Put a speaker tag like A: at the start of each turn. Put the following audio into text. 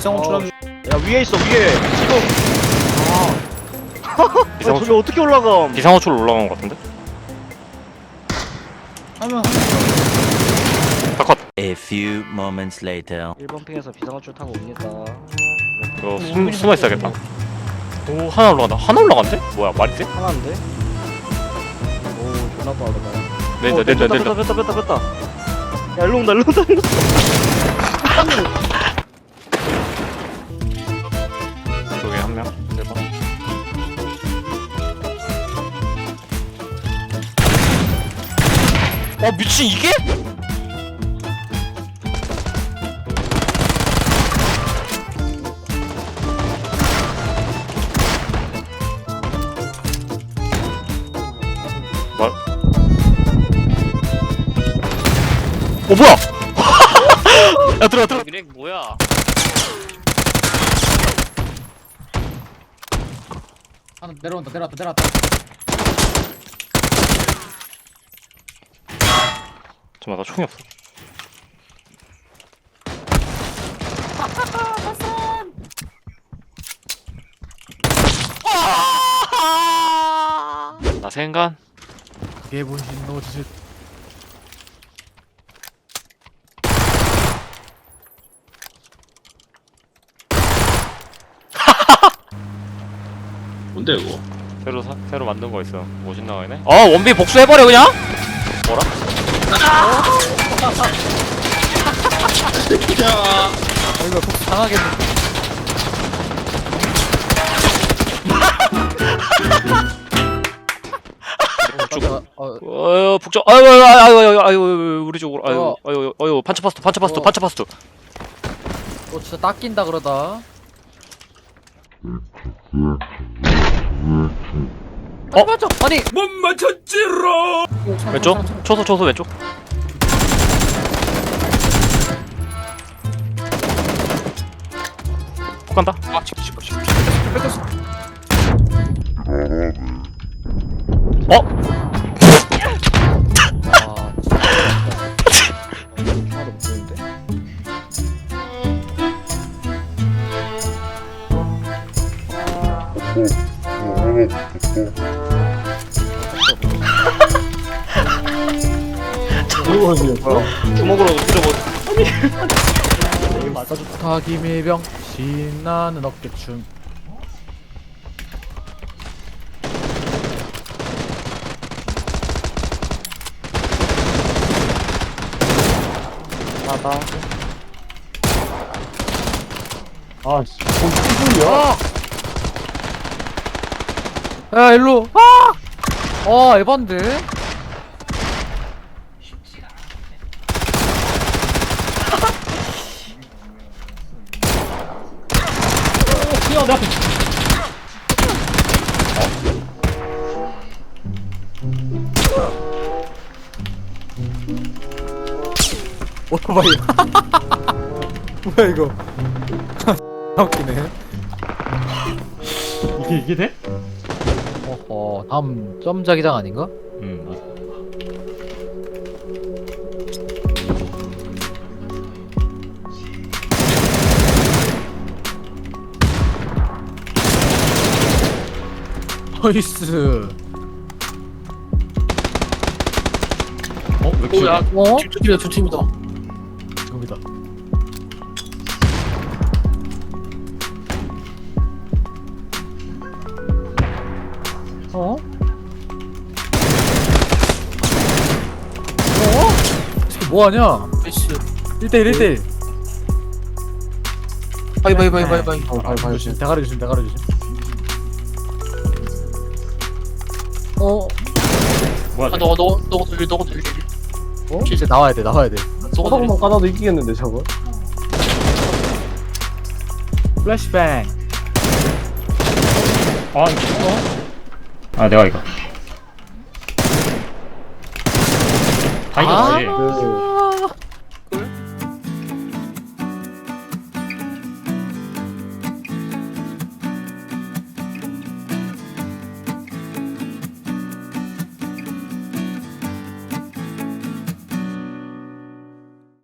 A: 비상호출하는 야 위에 있어 위에 지금 야, 저기 어떻게 올라가
B: 비상호출 올라간 것 같은데?
A: 하면
B: 다컷.
C: A few moments later.
A: 1번 핑에서 비상호출 타고 옵니다
B: 이거 숨어 있어야겠다. 오 하나 올라간다. 하나 올라간대? 뭐야 말이 돼?
A: 하나인데? 오 존나 빠르다
B: 내린다.
A: 뺐다 야 일로 온다
B: 저기 한 명. 1번. 미친 이게? 말? 뭐야? 야 들어가. 미렉 뭐야?
D: 하나 내려온다.
B: 잠깐만 나 총이 없어. 나 생간.
D: 그게 본신 노짓.
E: 뭔데 이거?
B: 새로 만든 거 있어. 멋진 나와이네. 원빈 복수해버려 그냥. 뭐라?
E: 야,
D: 이거 복수 당하겠네.
B: 북쪽. 아유 우리 쪽으로. 아유 판처파스트.
D: 너 진짜 닦인다 그러다. 맞아. 아니
E: 못 맞췄지롱.
B: 왼쪽. 초소 왼쪽. 폭 간다.
A: 하나도 못 보이는데? 주먹으로 찔러버
D: 좋다 김일병 신나는 어깨춤.
A: 하다
D: 아씨 뭔 소리야? 야 일로. 에반데. 내 앞에. 오토바이. 뭐야 이거? 웃기네. 이게 돼? 다음 점자기장 아닌가? 나이스.
B: 왜
E: 뭐야?
D: 두 팀이다. 지금이다. 지금 뭐하냐? 1대1 1대1. 바이. 조심. 대가리 조심.
B: 뭐야?
E: 너가 돌리.
D: 이제 나와야 돼.
A: 소독만 까놔도 이기겠는데 저거
D: 플래시뱅.
B: 내가 이거.
D: 아,
B: 이거지.